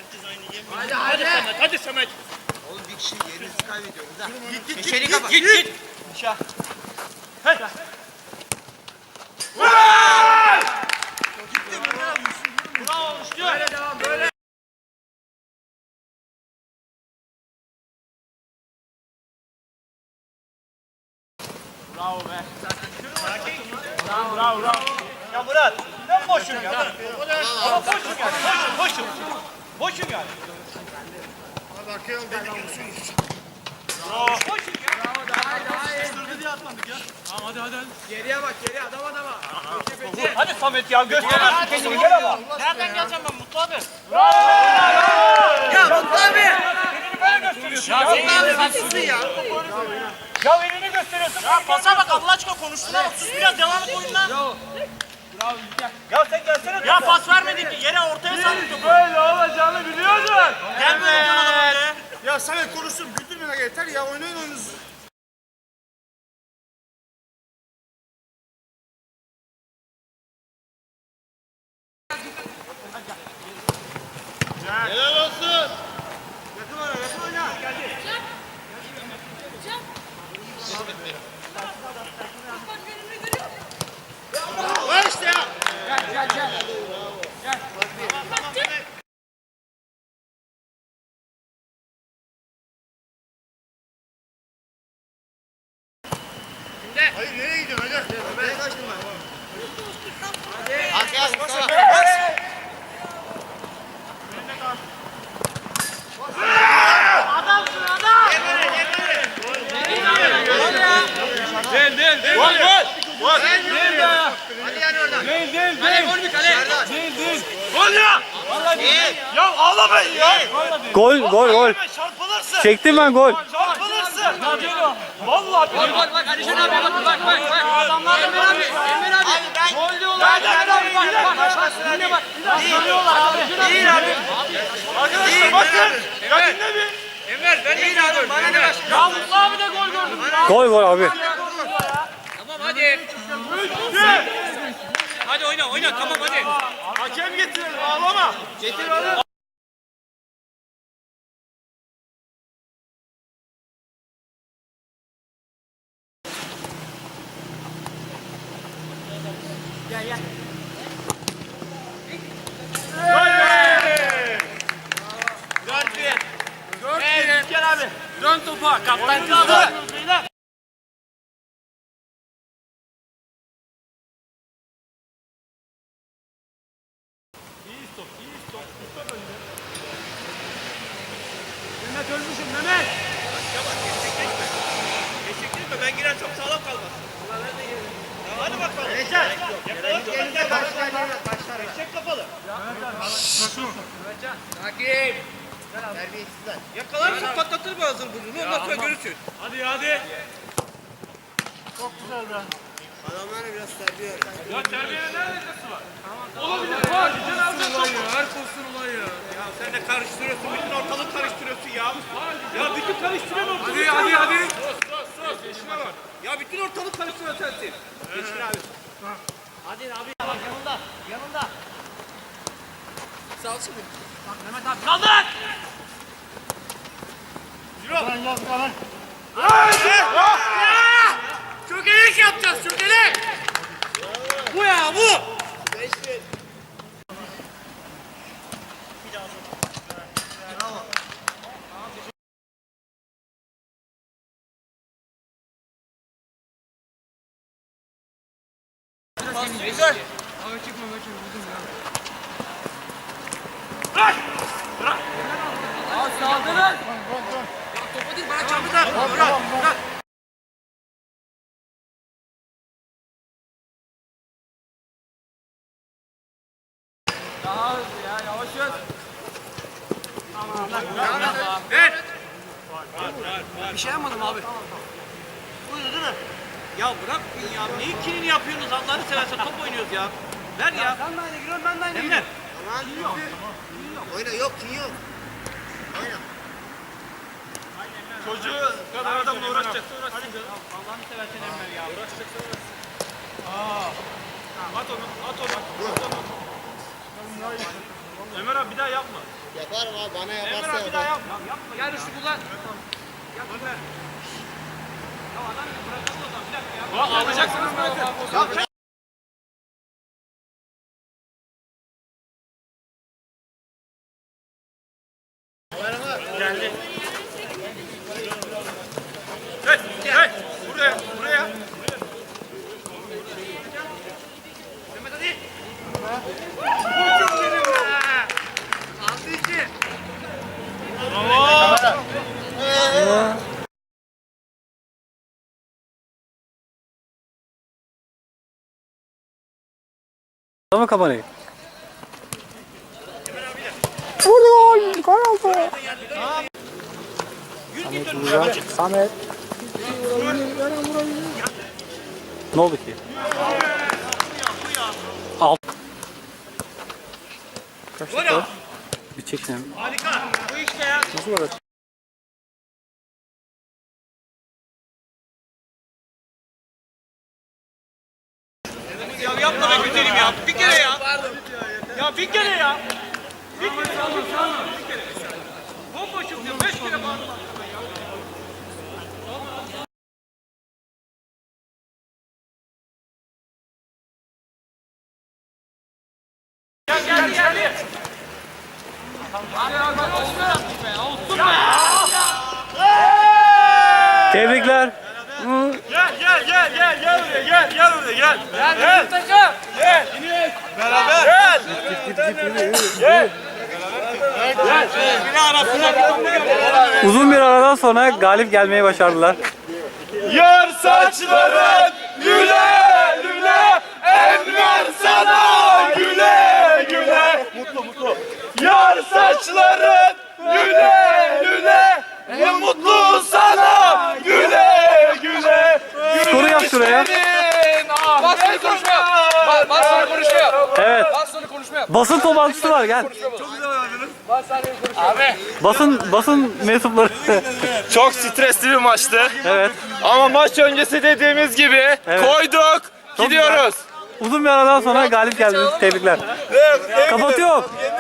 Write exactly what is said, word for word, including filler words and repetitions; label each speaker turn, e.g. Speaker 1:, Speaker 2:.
Speaker 1: Hadi hadi.
Speaker 2: Samet, hadi Samet.
Speaker 1: Oğlum bir kişi yerinizi kaybediyoruz ha.
Speaker 2: Git git
Speaker 1: İçeri
Speaker 2: git
Speaker 1: kapat.
Speaker 2: git git. Aşağı. Hey. Bravo Müştü. Böyle devam böyle. Bravo be. Tamam bravo bravo. Ya Murat ben boşum ya. Ama boşum yani. Boşum boşum. Boşum yani.
Speaker 3: Hadi arkaya al dedik olsun.
Speaker 2: Bravo. Boşum ya.
Speaker 1: Bravo daha iyi daha iyi.
Speaker 2: Sırdı diye atmadık ya. Tamam hadi hadi.
Speaker 1: Geriye bak geriye adam adama.
Speaker 2: Hadi Samet ya göster kendini gel ama. Nereden geleceğim ben Mutlu abi?
Speaker 1: Ya Mutlu abi.
Speaker 2: Elini böyle gösteriyorsun ya.
Speaker 1: Mutlu abi haklısın ya.
Speaker 2: Ya elini gösteriyorsun. Ya pasa bak Allah aşkına konuştuğuna bak. Sus biraz devam et oyundan. Bravo. Bravo gel. Ya sen gelsene. Ya pas vermedin ki yere ortaya saldın.
Speaker 3: Böyle olacağını biliyordun.
Speaker 2: Gel böyle adamı.
Speaker 3: Ya Samet konuşsun güldürmene yeter ya oynayın oyununuzu. Helal olsun.
Speaker 2: Yakın oyna yakın oyna. Geldi.
Speaker 3: Var işte ya.
Speaker 1: Gel gel gel. Gel.
Speaker 3: Hayır nereye gidiyorsun hadi?
Speaker 1: Nereye kaçtın ben?
Speaker 3: Hadi gel Mustafa.
Speaker 2: Adamsın adam. Değil değil değil. Gol gol. Gol. Değil ya.
Speaker 1: Hadi yani oradan.
Speaker 2: Değil değil
Speaker 1: Kale
Speaker 2: değil.
Speaker 1: gol mü kale?
Speaker 2: Değil değil. Gol ya. Vallahi değil. Ya ağlamayın ya. Vallahi
Speaker 4: Gol gol gol.
Speaker 2: çarpılırsın.
Speaker 4: Çektim ben gol.
Speaker 2: Çarpılırsın. Ya değil o. Vallahi
Speaker 1: Gol gol bak Alişan abi bak bak bak bak.
Speaker 2: adamlar
Speaker 1: Emir abi Emir abi.
Speaker 2: gol diyorlar.
Speaker 1: Emir abi bak bak bak. Yine bak.
Speaker 2: Söylüyorlar abi.
Speaker 1: Değil abi.
Speaker 2: Arkadaşlar bakın. Ya dinle bir.
Speaker 1: Emir ben değil abi. Bana ne baş?
Speaker 2: Ya Mutlu abi de gol gördüm.
Speaker 4: Gol gol abi.
Speaker 1: Tamam hadi.
Speaker 2: Hadi oyna oyna tamam hadi. Hakem getirelim ağlama.
Speaker 1: Getir onu. Gel gel.
Speaker 2: Dört bir. Dört bir. İlker abi. Dön topa. Kaptan kaldı. İyi stop, iyi stop. Stop önce. Mehmet ölmüşüm Mehmet. Geçecek mi? Ben giren çok sağlam kalmaz. Hadi bakalım. Recep.
Speaker 1: Elinize başlar başlar.
Speaker 2: Çek kapalı.
Speaker 1: Takip. Terbiyesizler.
Speaker 2: Yakalarsın patlatır mı ağzını burnunu ondan sonra görürsün. Hadi hadi. Çok güzel be.
Speaker 1: Adamlara biraz terbiye öğret.
Speaker 2: Ya terbiyenin ne alakası var? Olabilir. Var. Cenazı olay ya. Her pozisyon olay ya. Ya sen de karıştırıyorsun. Bütün ortalık karıştırıyorsun ya. Ya bütün karıştıran ortalık. Hadi hadi hadi. Sus sus sus. Geçine bak. Ya bütün ortalık karıştıran sensin. Geçin abi. Hadi abi. Bak yanında. Yanında.
Speaker 1: Sağ olsun.
Speaker 2: Bak Mehmet abi. Kaldır. Yürü.
Speaker 3: Lan yaz lan.
Speaker 2: Çökelek yapacağız çökelek. Bu ya bu.
Speaker 1: Beş bir.
Speaker 2: Güzel. Bırak. Bırak.
Speaker 1: Aa saldırın. Topu değil bana çarptı da. Bırak bırak. Daha hızlı ya yavaş yavaş.
Speaker 2: Ver.
Speaker 1: Bir şey yapmadım abi.
Speaker 2: Buyurdu değil mi? Ya bırakın ya. Ne ikilini yapıyorsunuz Allah'ını seversen top oynuyoruz ya. Ver ya.
Speaker 1: Sen de aynı giriyorsun ben de aynı
Speaker 2: Emre.
Speaker 1: Tamam. Oyna yok kim yok. Oyna.
Speaker 2: Çocuğu kadar adamla uğraşacaksa uğraşsın canım. Allah'ını seversen Emre ya. Uğraşacaksa uğraşsın. Aa. At onu, at onu. At onu. Ömer abi bir daha yapma.
Speaker 3: Yaparım abi bana
Speaker 2: Ömer
Speaker 3: yaparsa
Speaker 2: abi bir daha
Speaker 3: yaparım.
Speaker 2: yapma. Yapma.
Speaker 1: Gel üstü kullan.
Speaker 2: Yap Ömer. Ya adam bırakalım o zaman. Bir dakika ya.
Speaker 1: Alacaksınız bırakın.
Speaker 2: Geldi. Hey, hey. Buraya, buraya. Mehmet hadi. Vursun benim be. Aldı iki. Bravo.
Speaker 4: Tamam kamerayı. Vurdu gol! Gol oldu. Samet vuracak. Samet. Ne oldu ki? Alt. Kaç dakika? Bir çeksin.
Speaker 2: Harika. Bu işte ya.
Speaker 4: Nasıl var?
Speaker 2: Ya yapma be güzelim ya. Bir kere ya. Ya bir kere ya. Bir kere. Bir kere. Bomboşum diyor. Beş kere bağırdım. Gel geldi geldi.
Speaker 4: Tebrikler.
Speaker 2: Gel gel gel gel gel buraya gel gel buraya gel.
Speaker 1: Gel bizim takım.
Speaker 2: Gel. Beraber. Gel. Gel. Gel. Bir arasına bir tane gel.
Speaker 4: Uzun bir aradan sonra galip gelmeyi başardılar.
Speaker 2: Yar saçların güle güle Enver sana güle güle. Mutlu mutlu. Yar saçların güle güle ne mutlu sana güle güle.
Speaker 4: Skoru yap şuraya.
Speaker 1: Bas sonu konuşma yap. Bas, bas sonu konuşma yap.
Speaker 4: Evet.
Speaker 1: Bas sonu konuşma yap.
Speaker 4: Basın toplantısı var gel.
Speaker 1: Bas sonu konuşma. Abi.
Speaker 4: Basın basın mensupları.
Speaker 2: Çok stresli bir maçtı.
Speaker 4: Evet.
Speaker 2: Ama maç öncesi dediğimiz gibi
Speaker 4: Evet.
Speaker 2: koyduk. Gidiyoruz.
Speaker 4: Uzun bir aradan sonra galip geldiniz. Tebrikler. Kapatıyorum.